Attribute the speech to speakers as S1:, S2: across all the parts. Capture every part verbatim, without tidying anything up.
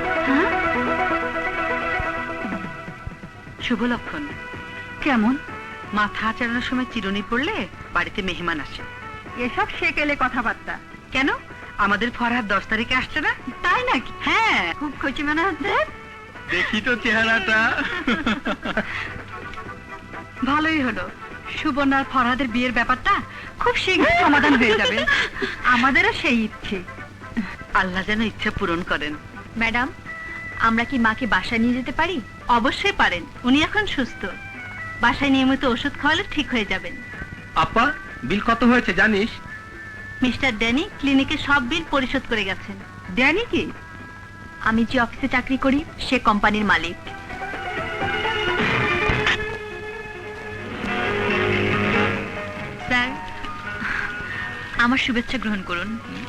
S1: শুভ লক্ষণ। কেমন? মাথা আচারানোর সময় চিরুনি পড়লে বাড়িতে মেহমান আসে।
S2: এসব সেকেলে কথাবার্তা।
S1: কেন, আমাদের ফরহাদ দশ তারিখে আসছে না?
S2: তাই নাকি?
S1: হ্যাঁ।
S2: খুব খুশি মনে হচ্ছে।
S3: দেখি তো চেহারাটা।
S1: ভালোই হলো, সুবর্ণার ফরহাদের বিয়ের ব্যাপারটা খুব শীঘ্র সমাধান হয়ে যাবে।
S2: আমাদেরও সেই ইচ্ছে।
S1: আল্লাহ যেন ইচ্ছা পূরণ করেন।
S2: ম্যাডাম, আমরা কি মাকে বাসায় নিয়ে যেতে পারি?
S1: অবশ্যই পারেন, উনি এখন সুস্থ। বাসায় নিয়মিত ওষুধ খাওয়ালে ঠিক হয়ে যাবেন।
S3: আপা, বিল কত হয়েছে জানিস?
S1: মিস্টার ড্যানি ক্লিনিকে সব বিল পরিশোধ করে গেছেন।
S2: ড্যানি কি? আমি যে অফিসে চাকরি করি সে কোম্পানির মালিক। স্যার, আমার শুভেচ্ছা গ্রহণ করুন।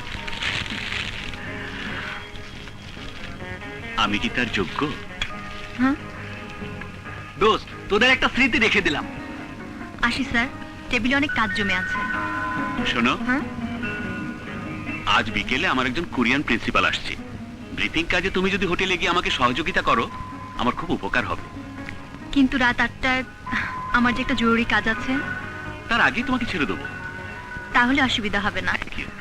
S4: আমি কি তার যোগ্য?
S2: হ্যাঁ,
S3: দোস্ত, তোদের একটা স্মৃতি রেখে দিলাম।
S2: আসি স্যার, টেবিলে অনেক কাজ জমে আছে।
S4: শোনো,
S2: হ্যাঁ,
S4: আজ বিকেলে আমার একজন কোরিয়ান প্রিন্সিপাল আসছে। ব্রিফিং কাজে তুমি যদি হোটেলে গিয়ে আমাকে সহযোগিতা করো, আমার খুব উপকার হবে।
S2: কিন্তু রাত আটটায় আমার যে একটা জরুরি কাজ আছে।
S4: তার আগেই তোমাকে ছেড়ে দেবো।
S2: তাহলে অসুবিধা হবে না।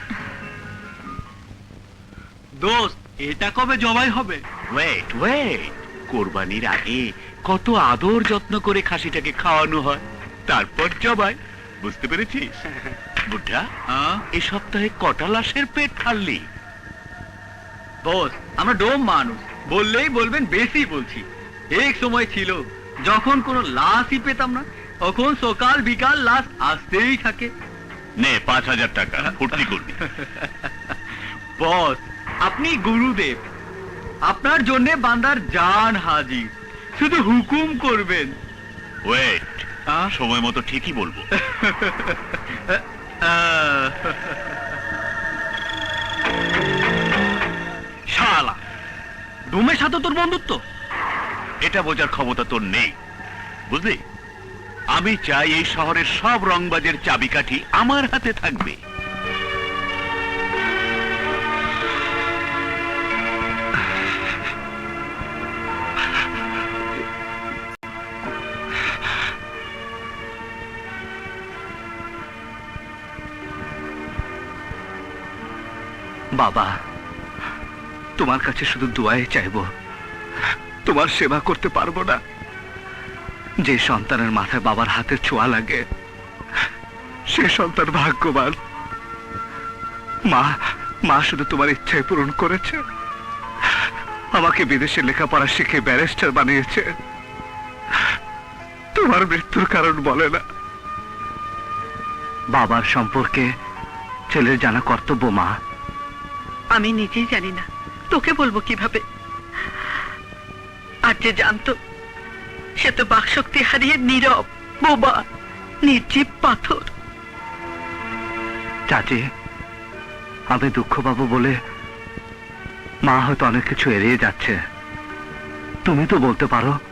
S3: দোস্ত, এটা কবে জবাই হবে?
S4: ওয়েট ওয়েট কোরবানির আগে কত আদর যত্ন করে খাসিটাকে খাওয়ানো হয়, তারপর জবাই। বুঝতে পেরেছিস? বুদ্ধা, এই সপ্তাহে কটা লাশের পেট ফাললি?
S3: বস, আমরা ডোম মানুষ, বললেই বলবেন বেশি বলছি। এক সময় ছিল যখন কোনো লাশই পেতাম না, তখন সকাল বিকাল লাশ আসতেই থাকে।
S4: নে পাঁচ হাজার টাকা, ফুর্তি করবি।
S3: বস, আপনি গুরুদেব, আপনার জন্য বান্দার জান হাজির, শুধু হুকুম করবেন।
S4: ওয়েট, সময় মতো ঠিকই বলবো।
S3: শালা, ডোমের সাথে তোর বন্ধুত্ব?
S4: এটা বোঝার ক্ষমতা তোর নেই, বুঝলি? আমি চাই এই শহরের সব রংবাজের চাবিকাঠি আমার হাতে থাকবে।
S5: বাবা, তোমার কাছে শুধু দোয়াই চাইবো। তোমার সেবা করতে পারবো না। যে সন্তানের মাথায় বাবার হাতে ছোঁয়া লাগে সে সন্তান ভাগ্যবান। মা মা শুধু তোমার ইচ্ছাই পূরণ করেছে। আমাকে বিদেশে লেখাপড়া শিখে ব্যারিস্টার বানিয়েছে। তোমার মৃত্যুর কারণ বলে না। বাবার সম্পর্কে ছেলের জানা কর্তব্য মা।
S1: আমি নিজেই জানি না, তোকে বলবো কিভাবে। আর যে জানতো সে তো বাকশক্তি হারিয়ে নীরব, বোবা, নির্জীব পাথর।
S5: চাচি, আমি দুঃখ পাবো বলে মা হয়তো অনেক কিছু এড়িয়ে যাচ্ছে। তুমি তো বলতে পারো